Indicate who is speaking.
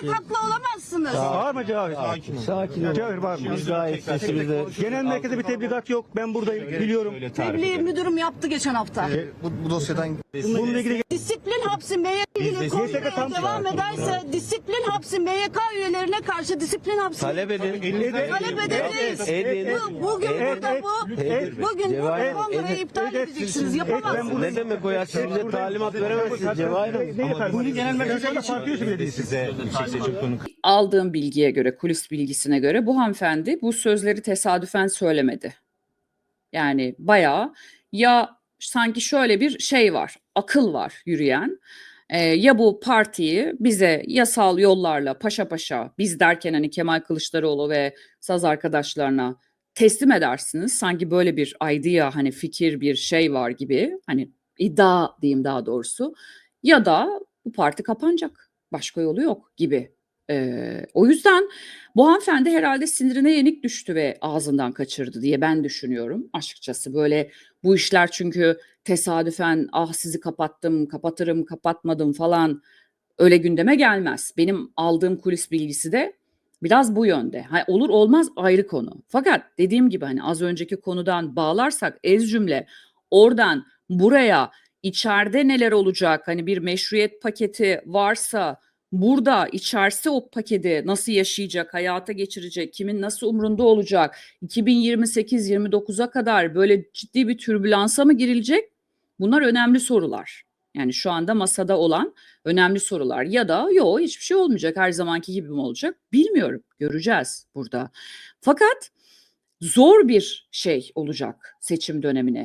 Speaker 1: haklı olamazsınız.
Speaker 2: Var mı Cevahir?
Speaker 3: Sakin ol.
Speaker 2: Cevahir var mı?
Speaker 3: Biz gayet sesimizde.
Speaker 2: Genel merkezde bir tebligat yok. Ben buradayım. Biliyorum.
Speaker 1: Tebliğ müdürüm yaptı geçen hafta.
Speaker 4: Bu dosyadan
Speaker 2: Bununla ilgili
Speaker 1: Disiplin hapsi MYK ilgili konuşmaya
Speaker 2: tam-
Speaker 1: devam ederse disiplin hapsi MYK üyelerine karşı disiplin hapsi
Speaker 3: Talep edin.
Speaker 1: talep edemeyiz.
Speaker 3: Edin.
Speaker 1: Bugün burada bugün
Speaker 3: Cevahir,
Speaker 1: bu kongrayı iptal edeceksiniz. Yapamazsınız.
Speaker 3: Ne demek o ya? Siz bize talimat veremezsiniz Cevahir Hanım.
Speaker 2: Bunu genel merkezde parti üyesi bile değilsiniz.
Speaker 5: Aldığım bilgiye göre, kulis bilgisine göre bu hanımefendi bu sözleri tesadüfen söylemedi. Yani bayağı ya sanki şöyle bir şey var, akıl var yürüyen. Ya bu partiyi bize yasal yollarla paşa paşa, biz derken hani Kemal Kılıçdaroğlu ve saz arkadaşlarına teslim edersiniz. Sanki böyle bir idea, hani fikir, bir şey var gibi, hani iddia diyeyim daha doğrusu. Ya da bu parti kapanacak, başka yolu yok gibi. O yüzden bu hanımefendi herhalde sinirine yenik düştü ve ağzından kaçırdı diye ben düşünüyorum açıkçası. Böyle bu işler çünkü tesadüfen ah sizi kapattım, kapatırım, kapatmadım falan öyle gündeme gelmez. Benim aldığım kulis bilgisi de biraz bu yönde. Ha, olur olmaz ayrı konu. Fakat dediğim gibi hani az önceki konudan bağlarsak ez cümle oradan buraya içeride neler olacak? Hani bir meşruiyet paketi varsa burada içerse o paketi nasıl yaşayacak, hayata geçirecek, kimin nasıl umrunda olacak? 2028-29'a kadar böyle ciddi bir türbülansa mı girilecek? Bunlar önemli sorular. Yani şu anda masada olan önemli sorular. Ya da yok hiçbir şey olmayacak, her zamanki gibi mi olacak? Bilmiyorum, göreceğiz burada. Fakat zor bir şey olacak seçim dönemine.